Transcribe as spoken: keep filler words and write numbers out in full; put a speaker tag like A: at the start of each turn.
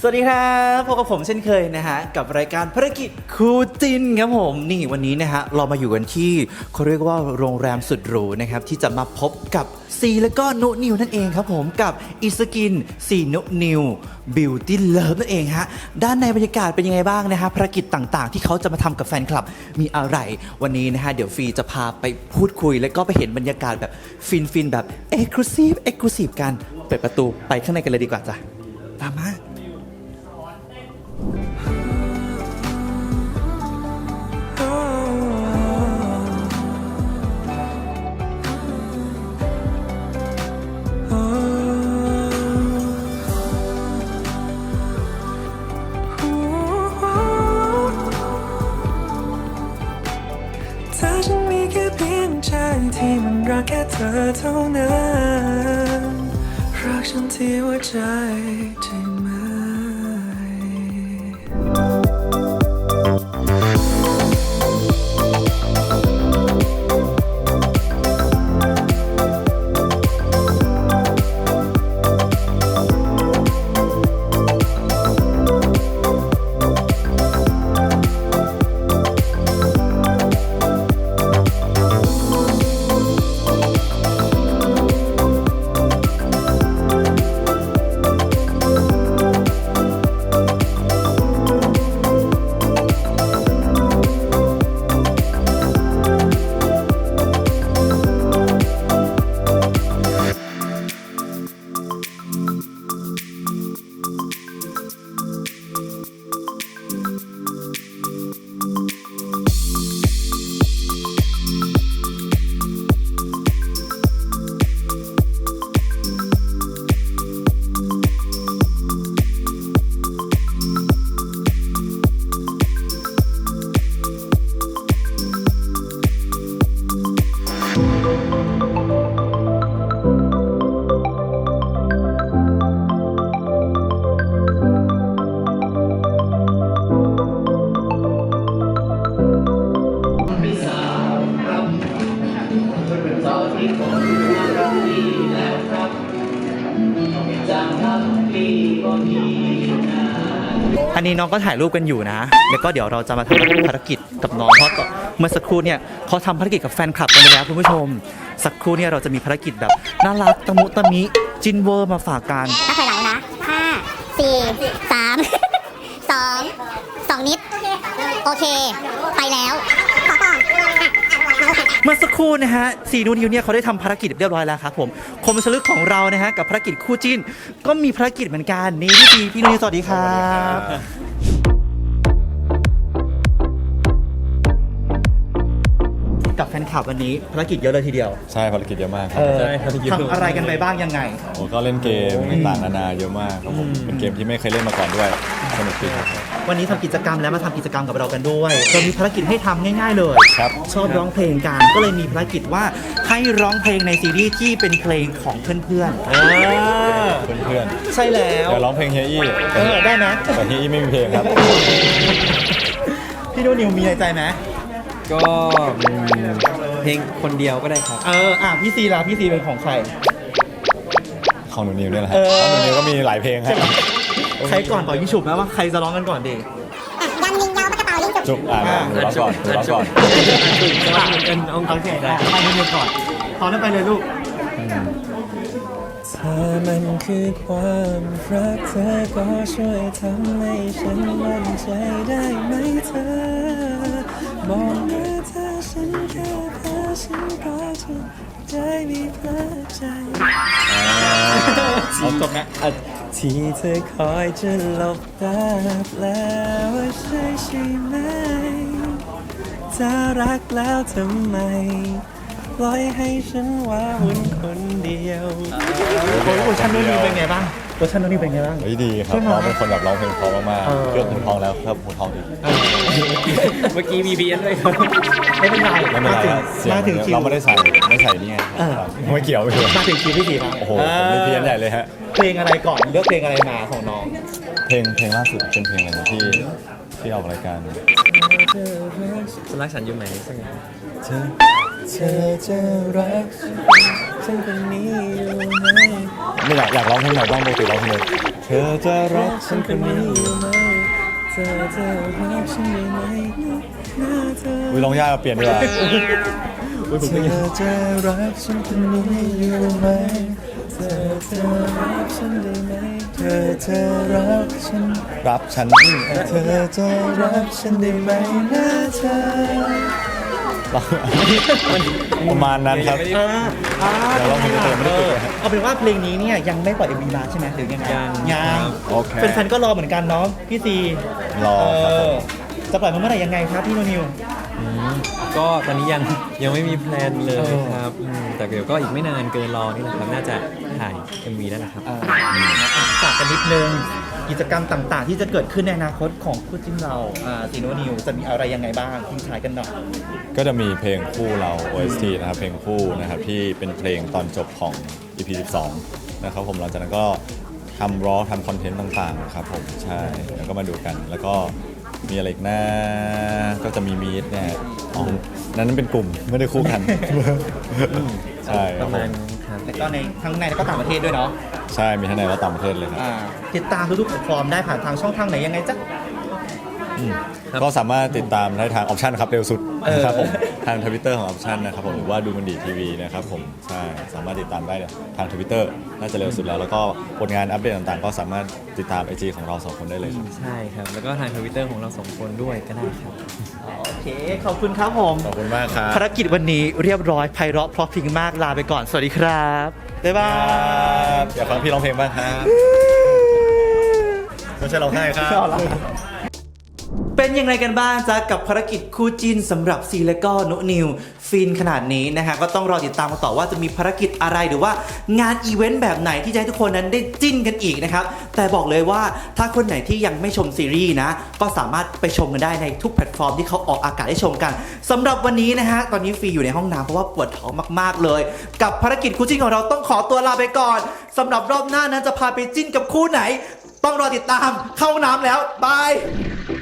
A: สวัสดีครับพบกับผมเช่นเคยนะฮะกับรายการภารกิจคู่จิ้นครับผมนี่วันนี้นะฮะเรามาอยู่กันที่เขาเรียกว่าโรงแรมสุดหรูนะครับที่จะมาพบกับซีและก็นุนิวนั่นเองครับผมกับอิสกินซีนุนิวบิวตี้เลิฟนั่นเองฮะด้านในบรรยากาศเป็นยังไงบ้างนะฮะภารกิจต่างๆที่เขาจะมาทำกับแฟนคลับมีอะไรวันนี้นะฮะเดี๋ยวฟีจะพาไปพูดคุยแล้วก็ไปเห็นบรรยากาศแบบฟินๆแบบเอ็กซ์คลูซีฟเอ็กซ์คลูซีฟกันเปิดประตูไปข้างในกันเลยดีกว่าจ้ะตามมา
B: ที่มันรักแค่เธอเท่านั้นรักฉันที่หัวใจใช่ไหม
A: อันนี้น้องก็ถ่ายรูปกันอยู่นะแล้วก็เดี๋ยวเราจะมาทำภารกิจกับน้องเพราะเมื่อสักครู่เนี่ยเขาทำภารกิจกับแฟนคลับกันไปแล้วคุณผู้ชมสักครู่เนี่ยเราจะมีภารกิจแบบน่ารักตะมุตะมิจินเวอร์มาฝากกัน
C: ถ้าถอยหลังนะห้าสี่สามสองสองนิดโอเคไปแล้วขอก่อน
A: เมื่อสักครู่นะฮะซีนูนิวเนี่ยเขาได้ทำภารกิจเรียบร้อยแล้วครับผมคมสลึกของเรานะฮะกับภารกิจคู่จิ้นก็มีภารกิจเหมือนกันนี่พี่ซีพี่นูนิวสวัสดีครับกับแฟนคลับวันนี้ภารกิจเยอะเลยทีเดียว
D: ใช่ภารกิจเยอะมากครับ
A: ใช่ทำอะไรกันไปบ้างยังไง
D: โอ้ก็เล่นเกมต่างๆนานาเยอะมากครับผมเป็นเกมที่ไม่เคยเล่นมาก่อนด้วยสนุกดีครับ
A: วันนี้ทำกิจกรรมแล้วมาทำกิจกรรมกับเรากันด้วยเรามีภารกิจให้ทำง่ายๆเลย
D: ครับ
A: ชอบร้องเพลงกันก็เลยมีภารกิจว่าให้ร้องเพลงในซีรีส์ที่เป็นเพลงของเพื่อนๆเ
D: พื่อน
A: ๆใช่แล้ว
D: เดี๋ยวร้องเพลงเฮียอี้
A: เออได้ไหม
D: แต่เฮียอี้ไม่มีเพลงครับ
A: พี่นูนิวมีในใจไหม
E: ก็เพลงคนเดียวก็ได้ครับ
A: เอออ่ะพี่ซีล่ะพี่ซีเป็นของใคร
D: ของหนูนิวเนี่ยแหละครับของหนูนิวก็มีหลายเพลงครับ
A: ใครก่อนต่อยิ่งฉุบนะว่าใครจะร้องกันก่อนดี
C: ยันยิงยาวปากกระเป๋ายิงจุก
D: จุกอ่าหนูร้องก่อนหนูร้องก่อน
A: เป็นองค์โอเคได้ไปเรียนก่อนพร้อมแล้วไปเลยลูก
B: ถ้ามันคือความรักเธอก็ช่วยทำให้ฉันมั่นใจได้ไหมเธอบอกว่าถ้าฉันแค่เธอฉันก็จะได้มีพลาดใจ
A: เอาจบนะ
B: ที่เธอคอยจะหลบตาแล้วว่าใช่ใช่ไหมถ้ารักแล้วทำไมปล่อยให้ฉันว้าวุ่นคนเดียว
A: โอ้ยเวอร์ชันนู้นนี่เป็นไงบ้างเวอร์ชันนู้นนี่เป็นไงบ้าง
D: ดีครับน้องเป็นคนแบบร้องเพลงเพราะมากๆเครื่องหูทองแล้วครับหูทองอีก
E: เมื่อกี้มีเบียนด้วยครับ
A: ไม่เป็นไร
D: ไม่เป็นไรมาถึงคิวเราไม่ได้ใส่ไม่ใส่นี่ไงไม่เกี่ยวไม่เกี่ยว
A: มาถึงคิวพี่สีครับ
D: โอ้โหมีเพี้ยนใหญ่เลยฮะ
A: เพลงอะไรก่อนเลือกเพลงอะไรมาของน้อง
D: เพลงเพลงล่าสุดเป็นเพลงอะไรที่ที่ออกรายการ
E: ฉันรักฉันอยู่ไหนสักอย่าง
B: เธอจะรักฉันคนนี้อยู่ไหม
D: ไม่อยากอยากร้องเพลงไหนบ้างปกติร้องเพลงเลยเธอจะรั
B: รั
D: ก
B: ก
D: ฉั
B: ฉั
D: น
B: น
D: ค
B: คน น
D: นี้
B: นี้อยู่ไหมเธอจะรักฉันได้ไหมหน้าเธอ
D: วิร้องยากเปลี่ยนดีกว่า
B: เธอจะรักฉันคนนี้อยู่ไหมเธอจะรักฉันได้ไหมเธอจะรักฉัน
D: รับฉัน
B: เธอจะรักฉันได้ไหมหน้าเธอ
D: ประมาณนั้นครับ
E: ยังไม่ได้
A: อ่า
D: เดี๋ยวเราเพลงเต็มไม่ได้ฝึกเลยฮะ
A: เอาเป็นว่าเพลงนี้เนี่ยยังไม่ปล่อยเอ็มวีมาใช่ไหมหรือยังไง
E: ยัง
A: ยัง
D: โอเค
A: แฟนๆก็รอเหมือนกันเนาะพี่ซี
D: รอครับผม
A: เออจะปล่อยมาเมื่อไหร่ยังไงครับพี่โนนิว
E: อืมก็ตอนนี้ยังยังไม่มีแพลนเลย
A: เออ
E: ครับอืมแต่เดี๋ยวก็อีกไม่นานเกินรอนี่แหละครับน่าจะถ่าย เอ็ม วีแล้วนะครับ
A: ฝากกันนิดนึงกิจกรรมต่างๆ ที่จะเกิดขึ้นในอนาคตของคู่จิ้นเราอ่าซีโนนิวจะมีอะไรยังไงบ้างทิ้งท้ายกันหน่อย
D: ก็จะมีเพลงคู่เรา โอ เอส ที นะครับเพลงคู่นะครับที่เป็นเพลงตอนจบของ อี พี สิบสองนะครับผมหลังจากนั้นก็ทำร้อทำคอนเทนต์ต่างๆครับผมใช่แล้วก็มาดูกัน แล้วก็มีอะไรอีกนะก็จะมีมีดเนี่ยอ๋อนั้นเป็นกลุ่มไม่ได้คู่กัน ใช่ค
E: ป
D: รับ
E: ระ
D: ผ
E: มาณ
D: ม
E: ครับ
A: แล้วก็ในทั้งในและก็ต่างประเทศด้วยเนาะ
D: ใช่มีทั้งในและต่างประเทศเลยครับ
A: อ่าติดตามทุกๆแพลตฟอร์มได้ผ่านทางช่องทางไหนยังไงจ๊ะ
E: ครับ
D: ก็สามารถติดตามได้ทางออปชันครับเร็วสุด
A: เออ
D: นะครับผมทางทวิตเตอร์ของออปชันนะครับผมหรือว่าดูมันดีทีวีนะครับผมใช่สามารถติดตามได้ทางทวิตเตอร์น่าจะเร็วสุดแล้ว แล้วก็ผลงานอัปเดตต่างๆ ก็สามารถติดตาม ไอ จี ของเราสองคนได้เลยครับ
E: ใช่ครับ แล้วก็ทางทวิตเตอร์ของเราสองคนด้วยก็ได้ครับ
A: โอเค ขอบคุณครับผม
D: ขอบคุณมากครับ
A: ภารกิจวันนี้เรียบร้อยไพเราะเพราะพริงมากลาไปก่อน สวัสดีครับ บ๊ายบาย
D: อยากฟังพี่ร้องเพลงบ้างครับไม่ใช่ร้องไห้ครับ
A: เป็นยังไงกันบ้างจ๊ะกับภารกิจคู่จิ้นสำหรับซีและก็นุนิวฟินขนาดนี้นะฮะก็ต้องรอติดตามกันต่อว่าจะมีภารกิจอะไรหรือว่างานอีเวนต์แบบไหนที่จะให้ทุกคนนั้นได้จิ้นกันอีกนะครับแต่บอกเลยว่าถ้าคนไหนที่ยังไม่ชมซีรีส์นะก็สามารถไปชมกันได้ในทุกแพลตฟอร์มที่เขาออกอากาศให้ชมกันสำหรับวันนี้นะฮะตอนนี้ฟีอยู่ในห้องน้ำเพราะว่าปวดท้องมากๆเลย กับภารกิจคู่จิ้นของเราต้องขอตัวลาไปก่อนสำหรับรอบหน้านั้นจะพาไปจิ้นกับคู่ไหน ต้องรอติดตามเข้าห้องน้ำแล้วบาย